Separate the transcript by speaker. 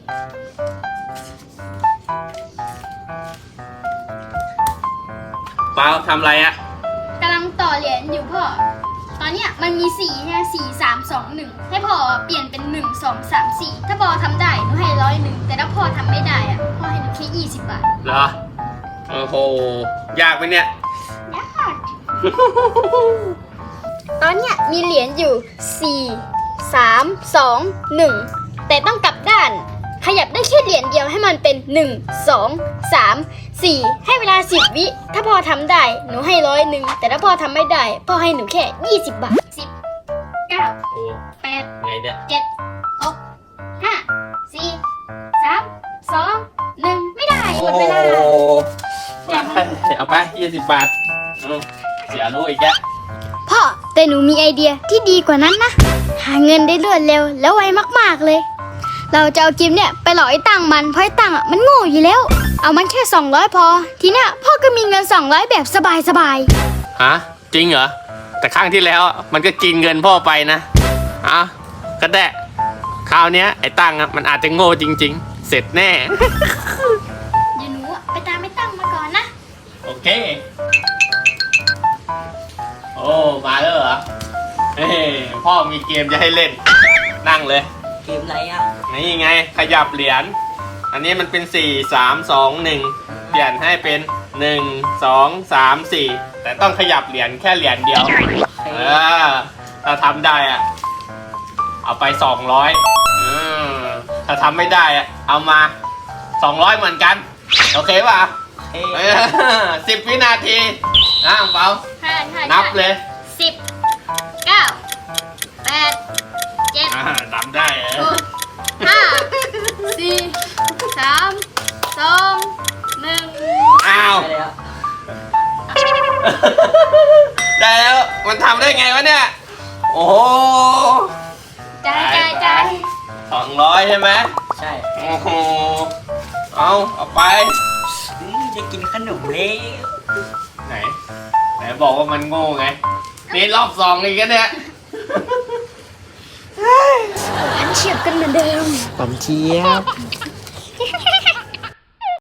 Speaker 1: เปล่าทำอะไรอะ
Speaker 2: กำลังต่อเหรียญอยู่พ่อ ตอนเนี้ยมันมี4ใช่ไหม4 3 2 1ให้พ่อเปลี่ยนเป็น1 2 3 4ถ้าพ่อทำได้หนูให้101แต่ถ้าพ่อทำไม่ได้อะพ่อให้หนูแค่20 บาท
Speaker 1: เหรอโอ้โหยากไหมเนี่ย
Speaker 2: ยากตอนเนี้ยมีเหรียญอยู่4 3 2 1แต่ต้องกลับด้านขยับได้แค่เหรียญเดียวให้มันเป็น1 2 3 4ให้เวลา10 วิถ้าพ่อทำได้หนูให้101แต่ถ้าพ่อทำไม่ได้พ่อให้หนูแค่20 บาท10 9
Speaker 1: โอ้
Speaker 2: 8
Speaker 1: ไงเนี่ย
Speaker 2: 7 6 5 4 3 2 1ไม่ได้หมดเวลา
Speaker 1: เอาไป20 บาทเสียรู้อีกแก
Speaker 2: พ่อแต่หนูมีไอเดียที่ดีกว่านั้นนะหาเงินได้รวดเร็วแล้วไวมากๆเลยเราจะเอากิมเนี่ยไปหลอกไอ้ตังมันเพราะไอ้ตังมันโง่อยู่แล้วเอามันแค่200พอทีเนี้ยพ่อก็มีเงิน200แบบสบาย
Speaker 1: ฮะจริงเหรอแต่ครั้งที่แล้วมันก็กินเงินพ่อไปนะก็ได้คราวเนี้ยไอ้ตังมันอาจจะโง่จริงๆ เสร็จแน่
Speaker 2: เดี๋ยวหนูไปตามไอ้ตังมาก่อนนะ
Speaker 1: โอเคโอ้มาแล้วเหรอเฮ้ยพ่อมีเกมจะให้เล่นนั่งเลย
Speaker 3: เกมอะไรอ่ะ
Speaker 1: นี่ไงขยับเหรียญอันนี้มันเป็น4 3 2 1เปลี่ยนให้เป็น1 2 3 4แต่ต้องขยับเหรียญแค่เหรียญเดียวถ้าทำได้อะเอาไป200ถ้าทำไม่ได้อะเอามา200เหมือนกันโอเคป่ะ 10 วินาทีเปล่านับเลย
Speaker 2: 10 9 8 7
Speaker 1: ทำได้
Speaker 2: 6 5 4 3 2 1
Speaker 1: อ้าว
Speaker 3: ไปแล้ว
Speaker 1: ได้แล้วมันทำได้ไงวะเนี่ยโอ้โห
Speaker 2: จ่าย
Speaker 1: 200ใช่ไหม
Speaker 3: ใช่
Speaker 1: โอ้โหเอาไป
Speaker 3: จะกินขนมเลย
Speaker 1: ไหนบอกว่ามันโง่ไงนี่รอบ2อีกแล้วเนี่ย
Speaker 2: อันเฉียบกันเหมือนเดิม
Speaker 3: ผมเชียบ